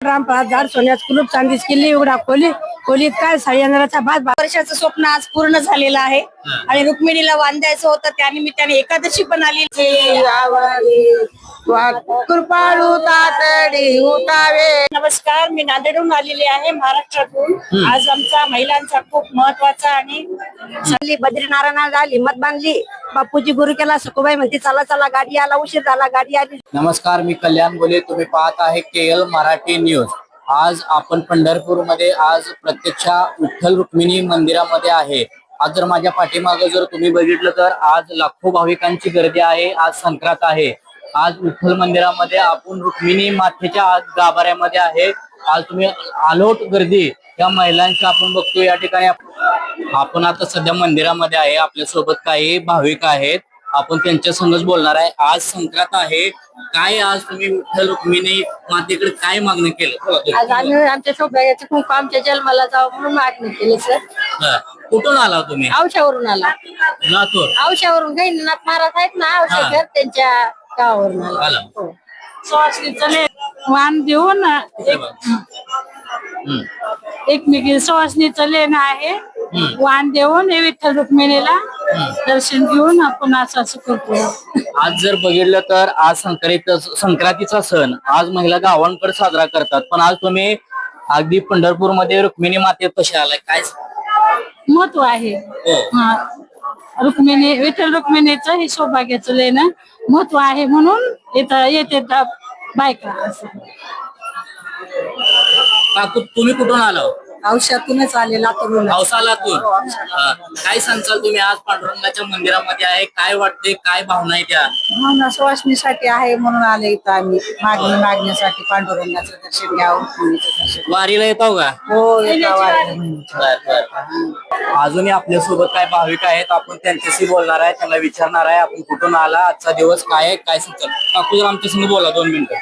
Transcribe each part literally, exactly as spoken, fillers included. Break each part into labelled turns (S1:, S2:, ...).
S1: रामफळात झाड सोन्याच कुलूप चांदीच किल्ली उघडा खोली खोलीत काय साडेंद्राचा भात
S2: वर्षाचं स्वप्न आज पूर्ण झालेलं आहे आणि रुक्मिणीला वांद्यायचं होतं त्यानिमित्ताने एकादशी पण आली.
S1: कृपाळू तातडी उठावे.
S2: नमस्कार, मी नांदेडहून आलेली आहे महाराष्ट्रातून. आज आमचा महिलांचा खूप महत्वाचा आणि
S1: चालली बद्रीनारायण झाली मत बांधली बापूजी गुरु केला सखुबाई म्हणते चला चला गाडी आला उशीर झाला गाडी आली.
S3: नमस्कार, मी कल्याण बोले. तुम्ही पाहत आहे के एल मराठी न्यूज. आज आपण पंढरपूर मध्ये आज प्रत्यक्ष विठ्ठल रुक्मिणी मंदिरामध्ये आहे. आज जर माझ्या पाठीमागे जर तुम्ही बघितलं तर आज लाखो भाविकांची गर्दी आहे. आज संक्रांत आहे. आज विठ्ठल मंदिरामध्ये आपण रुक्मिणी मातेच्या आज गाभाऱ्यामध्ये आहे. आज तुम्ही आलोट गर्दी या महिलांची आपण बघतो या ठिकाणी. आपण आता सध्या मंदिरामध्ये आहे. आपल्या सोबत काही भाविक आहेत. आपण त्यांच्या संगच बोलणार आहे. आज संक्रांत आहे. काय आज तुम्ही विठ्ठल रुक्मिणी मातेकडे काय मागणी केलं?
S1: आज आम्ही आमच्या सौभाग्याचं खूप आमच्या जन्माला जावं म्हणून मागणी केली सर.
S3: कुठून आला तुम्ही?
S1: औशावरून आला.
S3: लातूर.
S1: औशावरून गैनीनाथ महाराज आहेत ना औषधर त्यांच्या गावावरून आला. हो.
S4: वाण देऊन एकमेकी सवासणीचं लेणं आहे. वाण देऊन विठ्ठल रुक्मिणीला दर्शन घेऊन आपण असं असं करतो.
S3: आज जर बघितलं तर आज संक्रांत संक्रांतीचा सण आज महिला गावांकडे साजरा करतात. पण आज तुम्ही अगदी पंढरपूर मध्ये रुक्मिणी मातेत कसे आलाय? काय
S4: महत्व आहे. हा, रुक्मिणी विठ्ठल रुक्मिणीचं हे सौभाग्याचं लेणं महत्व आहे म्हणून इथं येते बायका. असं
S3: काकू, तुम्ही कुठून आलो?
S1: औषधातूनच आले लातूरून.
S3: औसालातून. काय सांगताल तुम्ही? आज पांडुरंगाच्या मंदिरामध्ये आहे. काय वाटते? काय भावना आहे त्या?
S1: भावना सुवासनीसाठी आहे म्हणून आले इथं आम्ही मागणी मागण्यासाठी पांडुरंगाचं दर्शन घ्यावं.
S3: वारीला येतो का?
S1: हो येतो.
S3: अजूनही आपल्या सोबत काय भाविक आहेत. आपण त्यांच्याशी बोलणार आहे. त्यांना विचारणार आहे आपण कुठून आला, आजचा दिवस काय आहे, काय सांगतात. काकू जर आमच्या संग बोला दोन मिनिटं.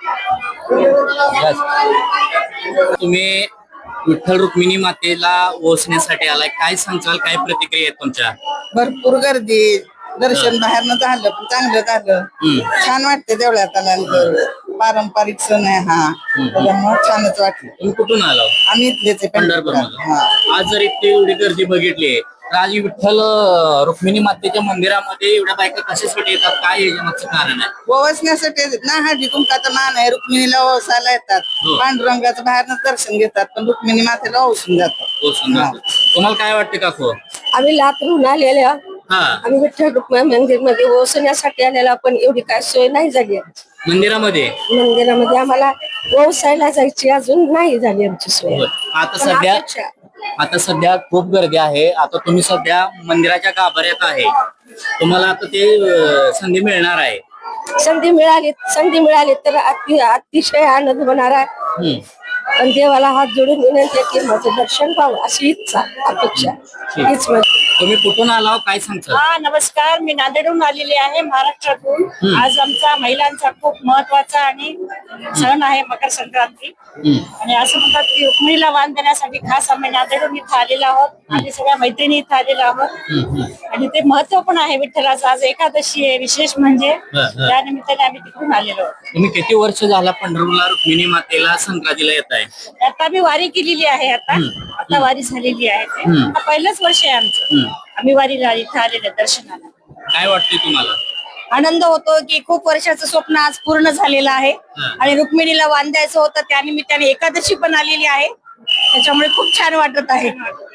S3: तुम्ही विठ्ठल रुक्मिणी मातेला ओसण्यासाठी आलाय. काय सांगताल? काय प्रतिक्रिया आहेत तुमच्या?
S5: भरपूर गर्दी. दर्शन बाहेरनं झालं पण चांगलं झालं. छान वाटते देवळात आल्यानंतर. पारंपरिक सण आहे हा, त्याच्यामुळे छानच वाटलं.
S3: तुम्ही कुठून आला?
S5: आम्ही इथलेच आहे
S3: पंढरपूर
S5: पंढरपूर.
S3: आज जर इतकी एवढी गर्दी बघितली तर आज विठ्ठल रुक्मिणी मातेच्या मंदिरामध्ये एवढ्या बायका कशासाठी येतात? काय याच्यामागचं कारण आहे?
S5: ओवासण्यासाठी ना हळदी कुंकाचा मान आहे. रुक्मिणीला ओसायला येतात. पांडुरंगाचं बाहेरनच दर्शन घेतात पण रुक्मिणी मातेला ओसून जातात.
S3: ओसून जातात. तुम्हाला काय वाटते काकू?
S1: आम्ही लातूरून आलेल्या.
S3: हा,
S1: आम्ही विठ्ठल रुक्मिणी मंदिर मध्ये ओसण्यासाठी आलेला पण एवढी काय सोय नाही झाली.
S3: मंदिरामध्ये
S1: मंदिरामध्ये आम्हाला ओसायला जायची अजून नाही झाली आमची सोय.
S3: आता सध्या आता सध्या खूप गर्दी आहे. आता तुम्ही सध्या मंदिराच्या गाभाऱ्यात आहे. तुम्हाला आता ते अं, संधी मिळणार आहे.
S1: संधी मिळाली संधी मिळाली तर अति अतिशय आनंद होणार आहे. पण देवाला हात जोडून विनंती आहे की माझं दर्शन व्हावं अशी इच्छा अपेक्षा हीच माझी.
S3: तुम्ही कुठून आला? काय सांगता?
S2: हा, नमस्कार, मी नांदेडहून आलेली आहे महाराष्ट्रातून. आज आमचा महिलांचा खूप महत्वाचा आणि सण आहे मकर संक्रांती. आणि असं म्हणतात की रुक्मिणीला वाण देण्यासाठी खास आम्ही नांदेडहून इथं आलेलो आहोत. आम्ही सगळ्या मैत्रिणी इथं आलेलो आहोत आणि ते महत्व पण आहे विठ्ठलाचं. आज एकादशी आहे विशेष म्हणजे त्या निमित्ताने आम्ही तिकडून आलेलो आहोत.
S3: तुम्ही किती वर्ष झाला पंढरपूरला रुक्मिणी मातेला संक्रांतीला येत आहे?
S2: आता मी वारी केलेली आहे. आता आता वारी झालेली आहे. आता पहिलंच वर्ष आहे आमचं. आम्ही वारीला इथं आलेल्या दर्शनाला.
S3: काय वाटते तुम्हाला?
S2: आनंद होतो की खूप वर्षाचं स्वप्न आज पूर्ण झालेलं आहे आणि रुक्मिणीला वांद्यायचं होतं त्यानिमित्ताने एकादशी पण आलेली आहे. त्याच्यामुळे खूप छान वाटत आहे.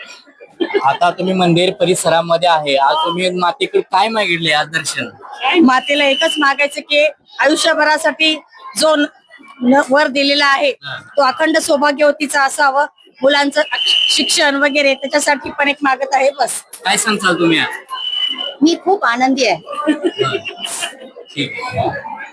S3: आता तुम्ही मंदिर परिसरामध्ये आहे. आज तुम्ही मातेकडे काय मागितले आज दर्शन?
S2: मातेला एकच मागायचं की आयुष्यभरासाठी जो न- वर दिलेला आहे तो अखंड सौभाग्यवतीचा असावं. मुलांचं शिक्षण वगैरे त्याच्यासाठी पण एक मागत आहे. बस.
S3: काय सांगताल तुम्ही आज?
S2: मी खूप आनंदी आहे.
S3: ठीक आहे.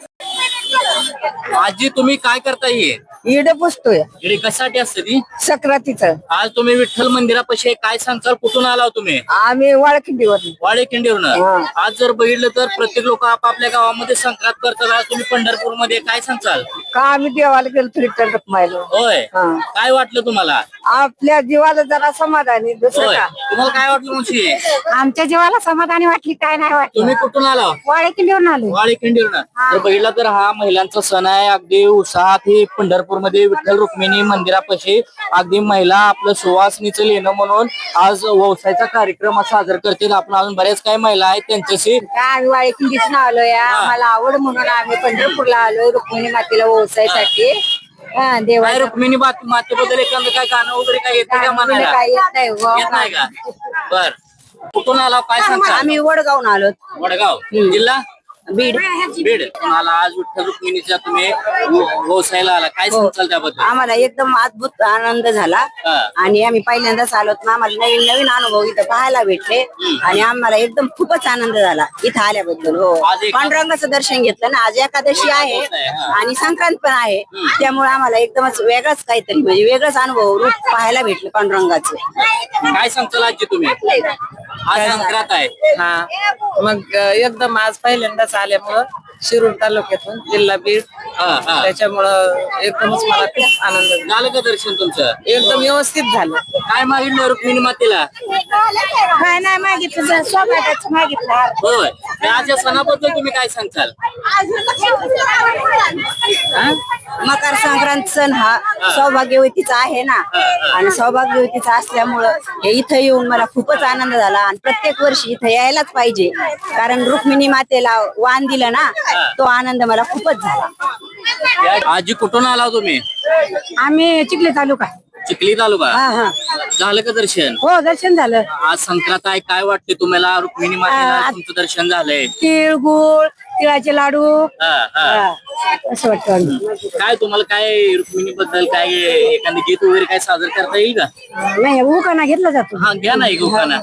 S3: आजी तुम्ही काय करता? ये
S1: इड पुसतोय
S3: इकडे कशासाठी असते ती?
S1: सक्रातीचं.
S3: आज तुम्ही विठ्ठल मंदिरापाशी आहे. काय सांगताल? कुठून आला तुम्ही?
S1: आम्ही वाळखिंडीवर.
S3: वाडे खिंडीवरून. आज जर बघितलं तर प्रत्येक लोक आपापल्या गावामध्ये संक्रांत करतात. आज तुम्ही पंढरपूर मध्ये काय सांगताल?
S1: का आम्ही देवाला गेलो तरी तर रकमायलो.
S3: होय.
S1: हा.
S3: काय वाटलं तुम्हाला?
S1: आपल्या जीवाला जरा समाधानी दुसरं
S3: होय.
S1: का.
S3: तुम्हाला काय वाटलं मुशी?
S1: आमच्या जीवाला समाधानी वाटली काय नाही वाटली.
S3: तुम्ही कुठून आला?
S1: वाळखिंडीवरून आलो.
S3: वाडे खिंडीवरून. जर बघितलं तर हा महिलांचा सण आहे. अगदी उत्साहात ही पंढरपूर पंढरपूरमध्ये विठ्ठल रुक्मिणी मंदिरापाशी अगदी महिला आपलं सुवासनीचं लेणं म्हणून आज व्यवसायाचा कार्यक्रम साजरा करतील. आपण अजून बऱ्याच काही महिला आहेत त्यांच्याशी
S6: आम्ही वाळकींदीच आलोय. आम्हाला आवड म्हणून आम्ही पंढरपूरला आलोय रुक्मिणी मातेला व्यवसायासाठी. हा
S3: काय
S6: देवा
S3: रुक्मिणी माते- मातेबद्दल एखादं काय गाणं वगैरे काय येतं का म्हणायला?
S6: काय येत नाही हो.
S3: येत नाही का? बर कुठून आला काय सांगता?
S6: आम्ही वडगावून आलो.
S3: वडगाव जिल्हा
S6: बीड.
S3: बीड. तुम्हाला आज विठ्ठल रुक्मिणीच्या तुम्ही व्यवसायाला आला काय सांगाल त्याबद्दल?
S6: आम्हाला एकदम अद्भुत आनंद झाला
S3: हा.
S6: आणि आम्ही पहिल्यांदाच आलो ना. आम्हाला नवीन नवीन अनुभव इथं पाहायला भेटले आणि आम्हाला एकदम खूपच आनंद झाला इथं आल्याबद्दल. हो
S3: आज एक-
S6: पांडुरंगाचं दर्शन घेतलं ना. आज एकादशी आहे
S3: हा.
S6: आणि संक्रांत पण आहे. त्यामुळे आम्हाला एकदमच वेगळाच काहीतरी म्हणजे वेगळंच अनुभव रूप पाहायला भेटलं पांडुरंगाचं.
S3: काय सांगताल आजी तुम्ही? आज संक्रांत आहे.
S5: हा मग अ, एकदम आज पहिल्यांदाच आल्यामुळं शिरूर तालुक्यातून जिल्हा बीड
S3: हा, हा.
S5: त्याच्यामुळं एकदमच मला खूप आनंद झाला.
S3: झालं का दर्शन तुमचं?
S5: एकदम व्यवस्थित झालं.
S3: काय मागितलं रुक्मिणी मातेला?
S6: काय नाही मागितलं स्वागताचं मागितलं.
S3: होय त्या सणाबद्दल तुम्ही काय सांगताल?
S6: मकर संक्रांत सण हा सौभाग्यवतीचा आहे ना आणि सौभाग्यवतीचा असल्यामुळं हे इथं येऊन मला खूपच आनंद झाला आणि प्रत्येक वर्षी इथं यायलाच पाहिजे कारण रुक्मिणी मातेला वाण दिलं ना तो आनंद मला खूपच झाला.
S3: आजी कुठून आला तुम्ही?
S4: आम्ही चिखली तालुका.
S3: चिखली तालुका.
S4: हा हा
S3: झालं का दर्शन?
S4: हो दर्शन झालं.
S3: आज संक्रांत आहे काय वाटते तुम्हाला? रुक्मिणी मातेला तुमचं दर्शन झालंय.
S4: तीळ गुळ तिळाचे लाडू
S3: हा, हा.
S4: असं वाटतं.
S3: काय तुम्हाला काय रुक्मिणी बद्दल काय एखादं गीत वगैरे काय सादर करता येईल का?
S4: नाही उखाणा घेतला जातो.
S3: हा घ्या ना एक उखाणा.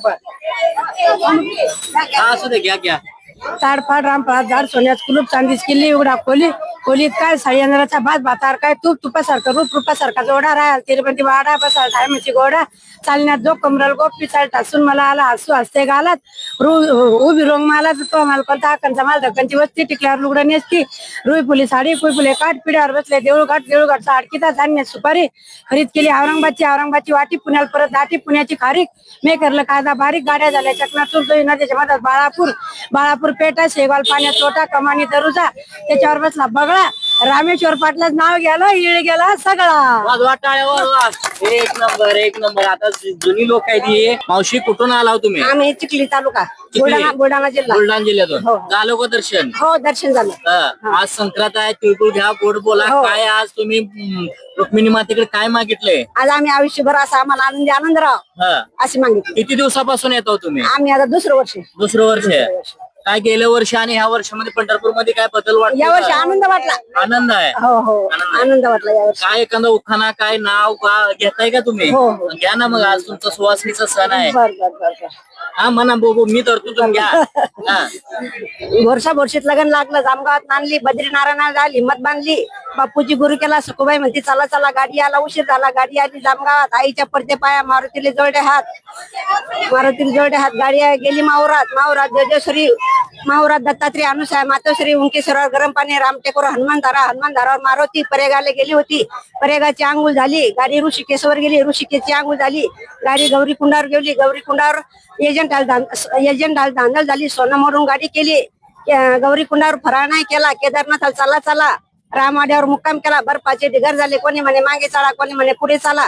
S3: हा असू दे घ्या घ्या.
S4: ताडफाड रामफाड झाड सोन्यात कुलूप चांदीच किल्ली उघडा खोली खोलीत काय साडींद्राचा भात भातार काय तूप तुपासारखं रूप रूपासारखा जोडा राहाल तिरुपती वाडा बसाल धायमाची गोडा चालण्यात जो कमरल गोपी चाल टासून मला आला हसू हसते घालात रू उभी रोंग मला तो माल कोणता हाकांचा माल धक्कांची वस्ती टिकल्यावर लुगडं नेसती रुई फुली साडी कुई फुले काठ पिढ्यावर बसले देऊळघाट देऊळघाटचा आडकीचा धान्य सुपारी खरीद केली औरंगाबादची औरंगाबादची वाटी पुण्याला परत दाटी पुण्याची खारीक मे करलं कादा बारीक गाड्या झाल्या चकनातूर दोई नदीच्या मधात बाळापूर बाळापूर पेटा शेगाव पाण्यात तोटा कमानी दरुजा त्याच्यावर बसला बगळा रामेश्वर पाटलाच नाव गेलं इळ गेला सगळा.
S3: वाजवा टाळ्या वाजवा. एक नंबर एक नंबर. आता जुनी लोक आहे ती. मावशी कुठून आला हो तुम्ही?
S6: आम्ही चिखली तालुका बुलढाणा बुलढाणा जिल्हा.
S3: बुलढाणा जिल्ह्यातून. झालं का दर्शन?
S6: हो दर्शन झालं.
S3: हा. आज संक्रांत आहे तिळगुळ घ्या गोड बोला.
S6: हो.
S3: काय आज तुम्ही हम्म, रुक्मिणी मातेकडे काय मागितलंय?
S6: आज आम्ही आयुष्यभर असा आम्हाला आनंदी आनंद राहावं
S3: हा.
S6: अशी मागितली.
S3: किती दिवसापासून येतो तुम्ही?
S6: आम्ही आता दुसरं वर्ष
S3: दुसरं वर्ष आहे. काय गेल्या वर्षी आणि ह्या वर्षामध्ये पंढरपूर मध्ये काय बदल वाटतो?
S6: या वर्षी आनंद वाटला.
S3: आनंद आहे.
S6: हो हो आनंद वाटला या वर्षी.
S3: काय एखादा उखाणा काय नाव का घेताय का तुम्ही?
S6: हो, हो.
S3: घ्या ना मग आज तुमचा सुवासनीचा सण आहे.
S6: बर बर बर बर.
S3: हा म्हणा बोबो मी धरतो तुम्ही घ्या. हा.
S6: वर्षा बोरशीत लग्न लागलं जामगावात नांदली बद्रीनारायण आली हिंमत बांधली बापूजी गुरु केला सखुबाई म्हणती चला चला गाडी आला उशीर झाला गाडी आली जामगावात आईच्या पडते पाया मारुतीले जोडे हात मारुतीले जोडे हात गाडी गेली माहुरात माहुरात जजेश्वरी माहुरात दत्तात्रय अनुसाय मातोश्री उंकेश्वरावर गरम पाणी रामटेकोर हनुमान धारा हनुमान धारावर मारुती परेगाला गेली होती परेगाची आंघोळ झाली गाडी ऋषिकेशवर गेली ऋषिकेशची आंघोळ झाली गाडी गौरी कुंडावर गेली गौरी कुंडावर एजंट एजंट धांदल झाली सोनं मोडून गाडी केली गौरी कुंडावर फराळ नाही केला केदारनाथ चला चला रामवाड्यावर मुक्काम केला बर्फाचे ढिगर झाले कोणी म्हणे मागे चला कोणी म्हणे पुढे चला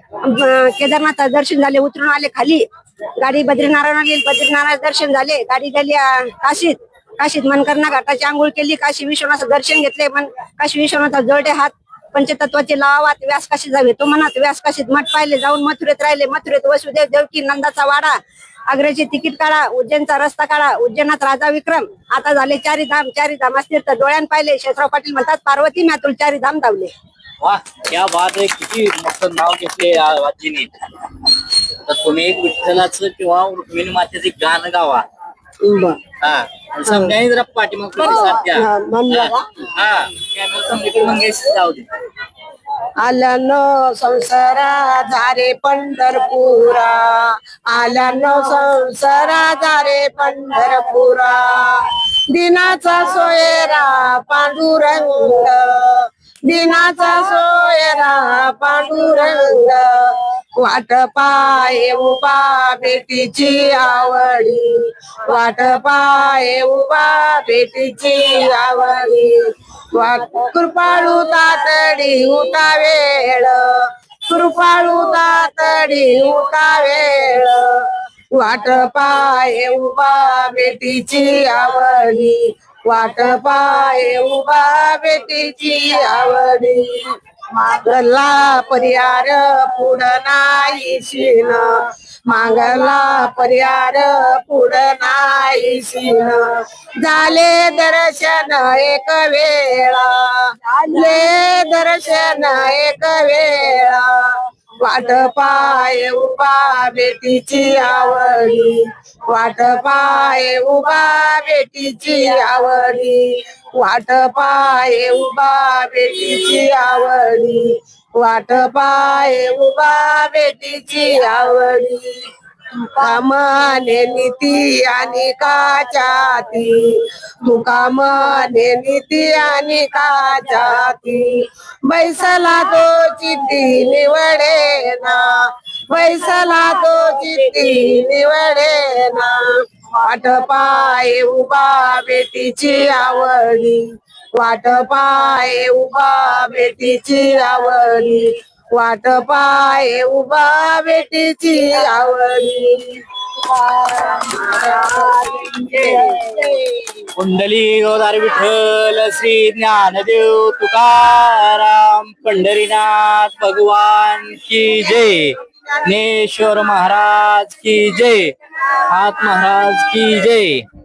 S6: केदारनाथ दर्शन झाले उतरून आले खाली गाडी बद्रीनारायण गेली बद्रीनारायण दर्शन झाले गाडी गेली काशीत काशीत मनकर्णा घाटाची आंघोळ केली काशी विश्वनाथचं दर्शन घेतले मन काशी विश्वनाथ जोडे हात पंचतत्वाचे लावात व्यास काशी जावे तो म्हणत व्यास काशीत मठ पाहिले जाऊन मथुरेत राहिले मथुरेत वसुदेव देवकी नंदाचा वाडा आग्र्याचे तिकीट काढा उज्जैनचा रस्ता काढा उज्जैनात राजा विक्रम आता झाले चारी धाम चारी धाम असतील तर डोळ्यान पाहिले शेषराव पाटील म्हणतात पार्वती मॅतुल चारी धाम धावले.
S3: वा क्या बात आहे. किती मस्त नाव घेतले आजीने. तर तुम्ही एक विठ्ठलाचं किंवा रुक्मिणी मातेचे गाणं गावा. हा समजाने जरा पाठीमाग प्रतिसाद द्या. हा कॅमेरा समजेकडे मंगेश जाऊ दे.
S6: आल्यानो संसारा झारे पंढरपुरा आल्यानो संसारा झारे पंढरपुरा दिनाचा सोयरा पांडुरंग दिनाचा सोयरा पांडुरंग
S4: वाट पाय उभा बेटीची आवडी, वाट पाय उभा बेटीची आवडी. वाट कृपाळू तातडी उता वेळ, कृपाळू तातडी उता वेळ. वाट पाय उभा बेटीची आवडी, वाट पाय उभा बेटीची आवडी. मागला परिहार पुढं नाही शिन, मागला परिहार पुढं नाही शिन. झाले दर्शन एक वेळा, झाले दर्शन एक वेळा. वाट पाय उभा बेटीची आवडी, वाट पाय उभा बेटीची आवडी. वाट पाय उभा बेटीची आवडी, वाट पाय उभा बेटीची आवडी. तुका म्हणे नीती आणि काचाती, तुका म्हणे नीती आणि काचाती. बैसला तो चित्ती निवडे ना, बैसला तो चित्ती निवडे ना. वाट पाय उभा बेटीची आवडी, वाट पाय उभा बेटीची आवडी. वाट पाय उभा बेटीची आवडी.
S3: कुंडली गोदार विठ्ठल श्री ज्ञानदेव तुकाराम पंढरीनाथ भगवान की जय. ज्ञानेश्वर महाराज की जय. हात महाराज की जय.